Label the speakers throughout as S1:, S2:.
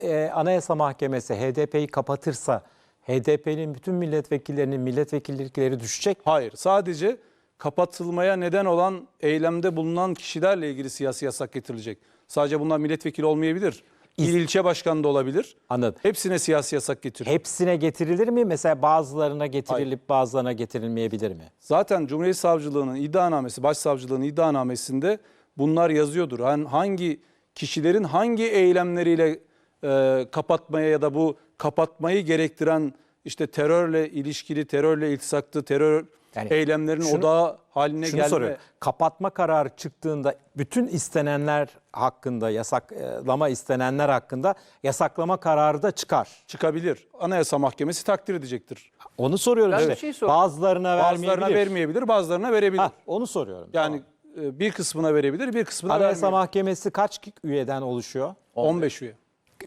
S1: Anayasa Mahkemesi HDP'yi kapatırsa HDP'nin bütün milletvekillerinin milletvekillikleri düşecek.
S2: Hayır, sadece kapatılmaya neden olan eylemde bulunan kişilerle ilgili siyasi yasak getirilecek. Sadece bunlar milletvekili olmayabilir. İl ilçe başkanı da olabilir.
S1: Anladım.
S2: Hepsine siyasi yasak getiriyor.
S1: Hepsine getirilir mi? Mesela bazılarına getirilip bazılarına getirilmeyebilir mi?
S2: Zaten Cumhuriyet Savcılığı'nın iddianamesi, Başsavcılığı'nın iddianamesinde bunlar yazıyordur. Yani hangi kişilerin hangi eylemleriyle kapatmaya ya da bu kapatmayı gerektiren işte terörle ilişkili, terörle iltisaklı, terör eylemlerin odağı haline gelme.
S1: Soruyorum. Kapatma kararı çıktığında bütün istenenler hakkında, yasaklama istenenler hakkında yasaklama kararı da çıkar.
S2: Çıkabilir. Anayasa Mahkemesi takdir edecektir.
S1: Onu soruyorum
S3: Ben
S1: işte.
S3: bir şey soruyorum.
S1: Bazılarına
S2: Vermeyebilir, bazılarına verebilir.
S1: Onu soruyorum.
S2: Yani bir kısmına verebilir, bir kısmına
S1: Anayasa
S2: vermeyebilir.
S1: Mahkemesi kaç üyeden oluşuyor?
S2: 15 üye.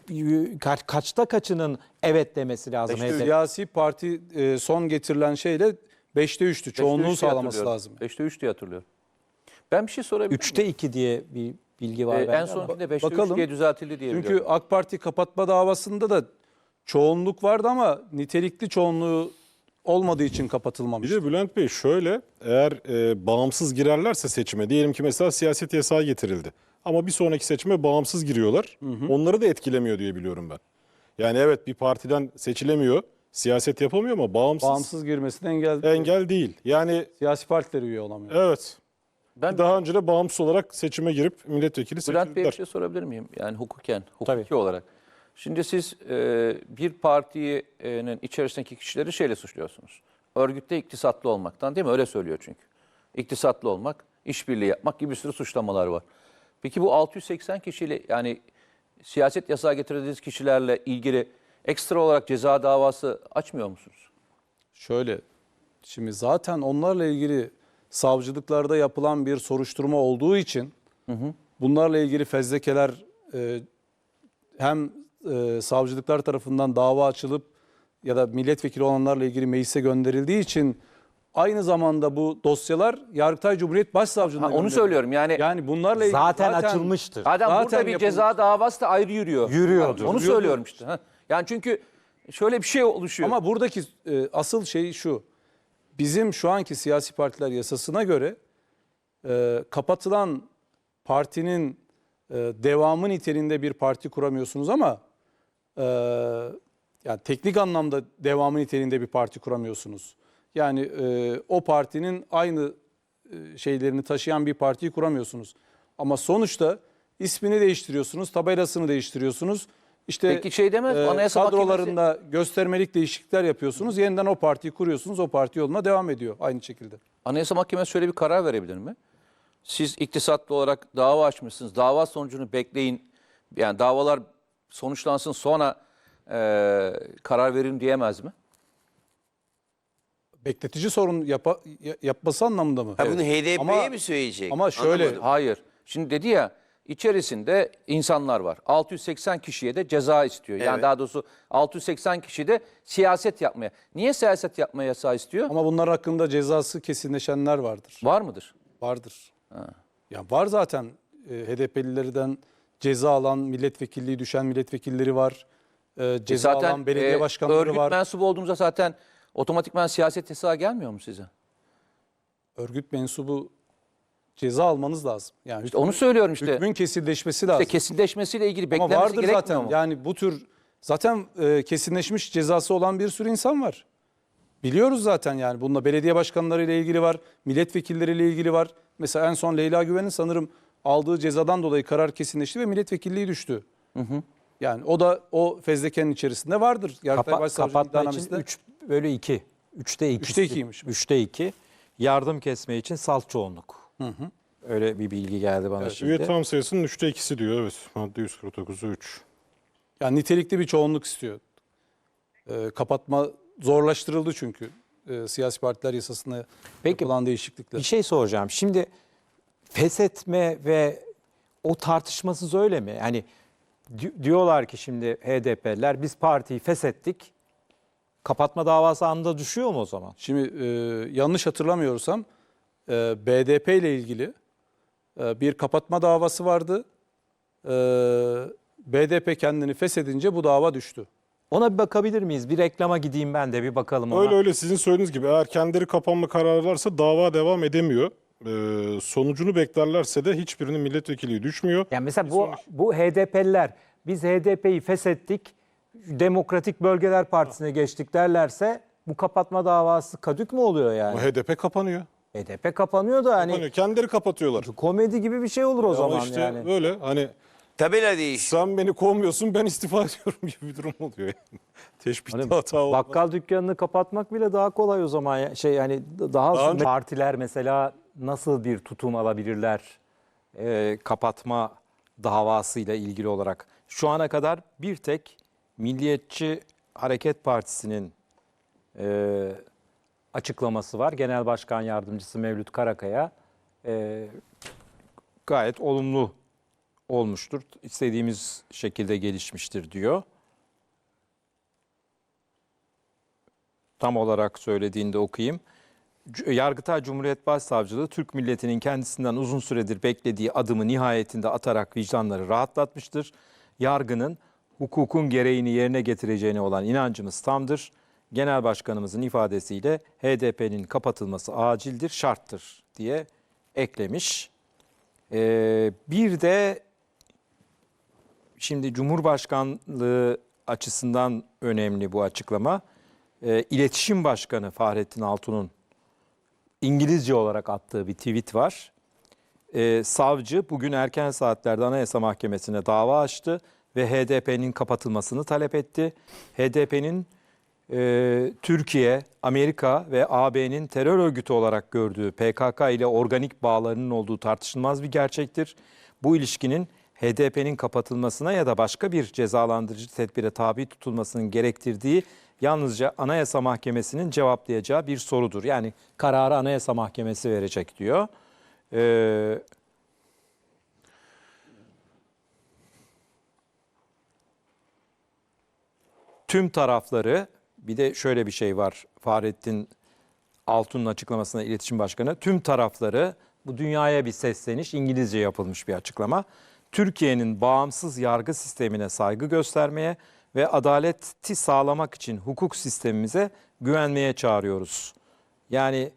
S1: Kaçta kaçının evet demesi lazım?
S2: Siyasi parti son getirilen şeyle 5'te 3'tü. Çoğunluğu sağlaması lazım.
S3: 5'te 3 diye hatırlıyorum. Ben bir şey sorabilir miyim?
S1: 3'te 2 diye bir bilgi var.
S3: En sonkinde 5'te 3
S2: bakalım.
S3: diye düzeltildi diye
S2: Çünkü
S3: biliyorum.
S2: AK Parti kapatma davasında da çoğunluk vardı ama nitelikli çoğunluğu olmadığı için kapatılmamış.
S4: Bir de Bülent Bey şöyle, eğer bağımsız girerlerse seçime, diyelim ki mesela siyaset yasağı getirildi. Ama bir sonraki seçime bağımsız giriyorlar. Onları da etkilemiyor diye biliyorum ben. Yani evet, bir partiden seçilemiyor, siyaset yapamıyor ama
S2: Bağımsız girmesine
S4: engel değil. Yani
S2: siyasi partiler üye olamıyor.
S4: evet.
S3: Ben
S4: Daha önce de bağımsız olarak seçime girip milletvekili
S3: Bülent Bey'e
S4: seçildiler.
S3: bir şey sorabilir miyim? Yani hukuki
S1: Tabii.
S3: olarak. Şimdi siz bir partinin içerisindeki kişileri şeyle suçluyorsunuz. Örgütte iktisatlı olmaktan, değil mi? Öyle söylüyor çünkü. İktisatlı olmak, işbirliği yapmak gibi bir sürü suçlamalar var. Peki bu 680 kişiyle, yani siyaset yasağı getirdiğiniz kişilerle ilgili ekstra olarak ceza davası açmıyor musunuz?
S2: Şöyle, şimdi zaten onlarla ilgili savcılıklarda yapılan bir soruşturma olduğu için bunlarla ilgili fezlekeler hem savcılıklar tarafından dava açılıp ya da milletvekili olanlarla ilgili meclise gönderildiği için aynı zamanda bu dosyalar Yargıtay Cumhuriyet Başsavcılığına
S3: Onu
S2: gönderiliyor.
S3: söylüyorum yani
S2: bunlarla ilgili
S1: Zaten açılmıştır.
S3: Zaten burada
S2: zaten
S3: bir
S2: yapılmış.
S3: ceza davası da ayrı yürüyor.
S1: Yürüyordur.
S3: Onu söylüyorum işte. Ha. Yani çünkü şöyle bir şey oluşuyor.
S2: Ama buradaki asıl şey şu. Bizim şu anki siyasi partiler yasasına göre kapatılan partinin devamı niteliğinde bir parti kuramıyorsunuz ama yani teknik anlamda devamı niteliğinde bir parti kuramıyorsunuz. Yani o partinin aynı şeylerini taşıyan bir partiyi kuramıyorsunuz. Ama sonuçta ismini değiştiriyorsunuz, tabelasını değiştiriyorsunuz. İşte
S3: Peki şey demez mi? Anayasa
S2: kadrolarında göstermelik değişiklikler yapıyorsunuz. Yeniden o partiyi kuruyorsunuz. O parti yoluna devam ediyor aynı şekilde.
S3: Anayasa Mahkemesi şöyle bir karar verebilir mi? Siz iktisatlı olarak dava açmışsınız. Dava sonucunu bekleyin. Yani davalar sonuçlansın sonra karar verin diyemez mi?
S2: Bekletici sorun yapması anlamında mı?
S5: Ha, bunu HDP'ye
S2: Ama-
S5: mi söyleyecek?
S2: ama şöyle-
S5: Anlamadım.
S3: Hayır. Şimdi dedi ya, içerisinde insanlar var. 680 kişiye de ceza istiyor. Yani
S5: Evet.
S3: daha doğrusu 680 kişi de siyaset yapmaya. Niye siyaset yapmaya yasağı istiyor?
S2: Ama bunlar hakkında cezası kesinleşenler vardır.
S3: Var mıdır?
S2: Vardır. Ya var zaten HDP'lilerden ceza alan, milletvekilliği düşen milletvekilleri var. Ceza alan belediye başkanları
S3: örgüt
S2: var.
S3: mensubu olduğumuzda zaten otomatikman siyaset yasağı gelmiyor mu size?
S2: Örgüt mensubu ceza almanız lazım. Yani
S3: İşte onu söylüyorum işte.
S2: hükmün kesinleşmesi lazım.
S3: İşte kesinleşmesiyle ilgili
S2: Ama
S3: beklenmesi
S2: vardır
S3: gerekmiyor
S2: zaten.
S3: mu?
S2: Yani bu tür zaten kesinleşmiş cezası olan bir sürü insan var. Biliyoruz zaten yani. Bununla belediye başkanlarıyla ilgili var, milletvekilleriyle ilgili var. Mesela en son Leyla Güven'in sanırım aldığı cezadan dolayı karar kesinleşti ve milletvekilliği düştü. Yani o da o fezlekenin içerisinde vardır. Yargıtay Başsavcılığı
S1: Kapatma için
S2: iddianamesinde
S1: 3/2. 3'te 2.
S2: 3'te 2'ymiş.
S1: 3'te 2. Yardım kesme için salt çoğunluk. Öyle bir bilgi geldi bana şimdi.
S4: Üye tam sayısının 3'te 2'si diyor, evet. Madde 149'u 3.
S2: yani nitelikli bir çoğunluk istiyor. Kapatma zorlaştırıldı çünkü siyasi partiler yasasına yapılan değişiklikler.
S1: Bir şey soracağım. Şimdi feshetme ve o tartışmasız öyle mi? Yani diyorlar ki şimdi HDP'liler biz partiyi feshettik. Kapatma davası anında düşüyor mu o zaman?
S2: Şimdi yanlış hatırlamıyorsam BDP ile ilgili bir kapatma davası vardı. BDP kendini feshedince bu dava düştü.
S1: Ona bir bakabilir miyiz? Bir reklama gideyim ben de bir bakalım ona.
S4: Öyle sizin söylediğiniz gibi eğer kendileri kapanma kararı varsa dava devam edemiyor. Sonucunu beklerlerse de hiçbirinin milletvekili düşmüyor.
S1: Yani mesela bu HDP'liler biz HDP'yi feshettik, Demokratik Bölgeler Partisi'ne geçtik derlerse bu kapatma davası kadük mü oluyor yani?
S4: Ama HDP kapanıyor.
S1: HDP kapanıyor da hani
S4: Kapanıyor. Kendileri kapatıyorlar.
S1: komedi gibi bir şey olur o
S4: Ama
S1: zaman
S4: işte
S1: yani.
S4: böyle hani
S5: Tabela değişiyor.
S4: sen beni kovmuyorsun ben istifa ediyorum gibi bir durum oluyor. Yani. Teşbihte
S1: Hani
S4: hata olmaz.
S1: bakkal dükkanını kapatmak bile daha kolay o zaman şey yani daha
S4: önce-
S1: partiler mesela nasıl bir tutum alabilirler kapatma davasıyla ilgili olarak. Şu ana kadar bir tek Milliyetçi Hareket Partisi'nin açıklaması var. Genel Başkan Yardımcısı Mevlüt Karakaya gayet olumlu olmuştur. İstediğimiz şekilde gelişmiştir diyor. Tam olarak söylediğinde okuyayım. Yargıtay Cumhuriyet Başsavcılığı Türk milletinin kendisinden uzun süredir beklediği adımı nihayetinde atarak vicdanları rahatlatmıştır. Yargının hukukun gereğini yerine getireceğine olan inancımız tamdır. Genel Başkanımızın ifadesiyle HDP'nin kapatılması acildir, şarttır diye eklemiş. Bir de şimdi Cumhurbaşkanlığı açısından önemli bu açıklama. İletişim Başkanı Fahrettin Altun'un İngilizce olarak attığı bir tweet var. Savcı bugün erken saatlerde Anayasa Mahkemesi'ne dava açtı ve HDP'nin kapatılmasını talep etti. HDP'nin Türkiye, Amerika ve AB'nin terör örgütü olarak gördüğü PKK ile organik bağlarının olduğu tartışılmaz bir gerçektir. Bu ilişkinin HDP'nin kapatılmasına ya da başka bir cezalandırıcı tedbire tabi tutulmasının gerektirdiği yalnızca Anayasa Mahkemesi'nin cevaplayacağı bir sorudur. Yani kararı Anayasa Mahkemesi verecek diyor. Tüm tarafları, bir de şöyle bir şey var Fahrettin Altun'un açıklamasında İletişim Başkanı, tüm tarafları, bu dünyaya bir sesleniş, İngilizce yapılmış bir açıklama. Türkiye'nin bağımsız yargı sistemine saygı göstermeye ve adaleti sağlamak için hukuk sistemimize güvenmeye çağırıyoruz. Yani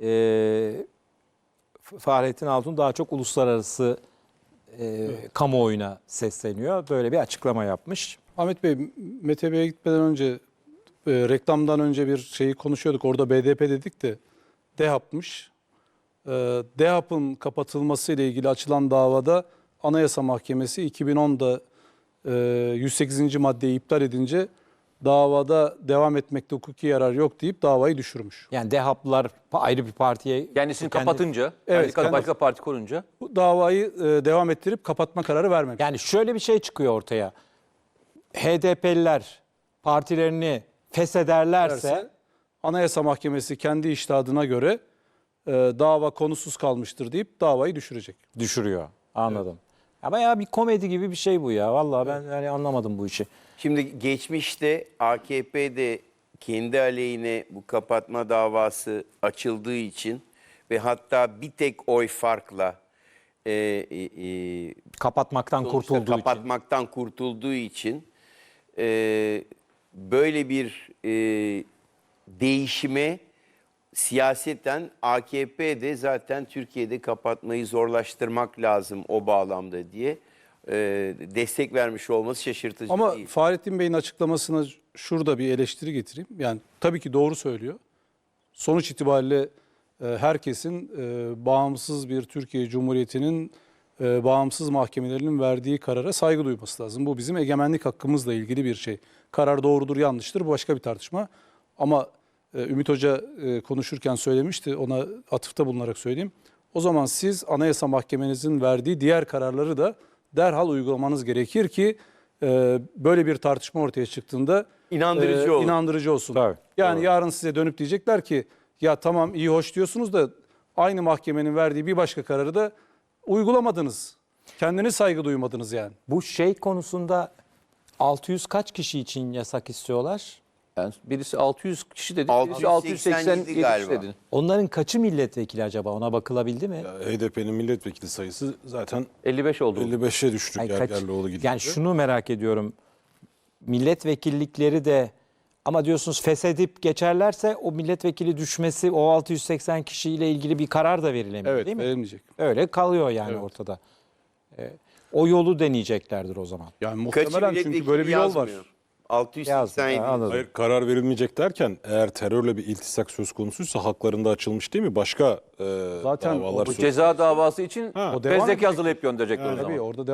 S1: Fahrettin Altun daha çok uluslararası kamuoyuna sesleniyor. Böyle bir açıklama yapmış.
S2: Ahmet Bey, Mete Bey'e gitmeden önce reklamdan önce bir şeyi konuşuyorduk. Orada BDP dedik de DEHAP'mış. DEHAP'ın kapatılması ile ilgili açılan davada Anayasa Mahkemesi 2010'da 108. maddeyi iptal edince davada devam etmekte hukuki yarar yok deyip davayı düşürmüş.
S1: Yani DEHAP'lılar ayrı bir partiye...
S3: Kendisini kapatınca,
S2: Evet,
S3: başka parti kurunca.
S2: Bu davayı devam ettirip kapatma kararı vermemiş.
S1: Yani şöyle bir şey çıkıyor ortaya. HDP'liler partilerini feshederlerse
S2: Anayasa Mahkemesi kendi içtihadına göre dava konusuz kalmıştır deyip davayı düşürecek.
S1: düşürüyor. Anladım. Ya bayağı bir komedi gibi bir şey bu ya. Vallahi ben yani anlamadım bu işi.
S5: Şimdi geçmişte AKP'de kendi aleyhine bu kapatma davası açıldığı için ve hatta bir tek oy farkla
S1: Kapatmaktan
S5: sonuçta
S1: kurtulduğu için.
S5: kapatmaktan kurtulduğu için böyle bir değişime siyaseten AKP'de zaten Türkiye'de kapatmayı zorlaştırmak lazım o bağlamda diye destek vermiş olması şaşırtıcı
S2: Ama
S5: değil.
S2: Fahrettin Bey'in açıklamasına şurada bir eleştiri getireyim. Yani tabii ki doğru söylüyor. Sonuç itibariyle herkesin bağımsız bir Türkiye Cumhuriyeti'nin bağımsız mahkemelerinin verdiği karara saygı duyması lazım. Bu bizim egemenlik hakkımızla ilgili bir şey. Karar doğrudur, yanlıştır, bu başka bir tartışma. Ama Ümit Hoca konuşurken söylemişti, ona atıfta bulunarak söyleyeyim. O zaman siz Anayasa Mahkemenizin verdiği diğer kararları da derhal uygulamanız gerekir ki böyle bir tartışma ortaya çıktığında
S5: İnandırıcı olur.
S2: inandırıcı olsun.
S1: Tabii,
S2: Yani yarın size dönüp diyecekler ki ya tamam iyi hoş diyorsunuz da aynı mahkemenin verdiği bir başka kararı da uygulamadınız. Kendiniz saygı duymadınız yani.
S1: Bu şey konusunda 600 kaç kişi için yasak istiyorlar?
S3: Yani birisi 600 kişi dedi, birisi
S5: 687
S3: 687 kişi
S5: galiba.
S3: dedi.
S1: Onların kaçı milletvekili acaba? Ona bakılabildi mi?
S4: HDP'nin milletvekili sayısı zaten
S3: 55 oldu.
S4: 55'e düştü
S1: Ay, kaç-
S4: Gergerlioğlu gidince.
S1: yani şunu merak ediyorum. Milletvekillikleri de ama diyorsunuz feshedip geçerlerse o milletvekili düşmesi, o 680 kişiyle ilgili bir karar da verilemiyor
S2: Evet,
S1: değil mi?
S2: verilmeyecek.
S1: Öyle kalıyor yani ortada. O yolu deneyeceklerdir o zaman.
S2: Yani
S5: Kaçı
S2: muhtemelen çünkü
S5: milletvekili
S2: böyle bir yol var.
S5: yazmıyor. 687.
S1: Yazdı, anladım.
S4: Hayır, karar verilmeyecek derken eğer terörle bir iltisak söz konusuysa haklarında açılmış değil mi? Başka
S2: Zaten
S4: davalar
S2: bu
S4: söz
S3: Ceza davası için
S2: o devam
S3: fezleke
S2: edecek.
S3: hazırlayıp gönderecekler o zaman.
S2: Tabii orada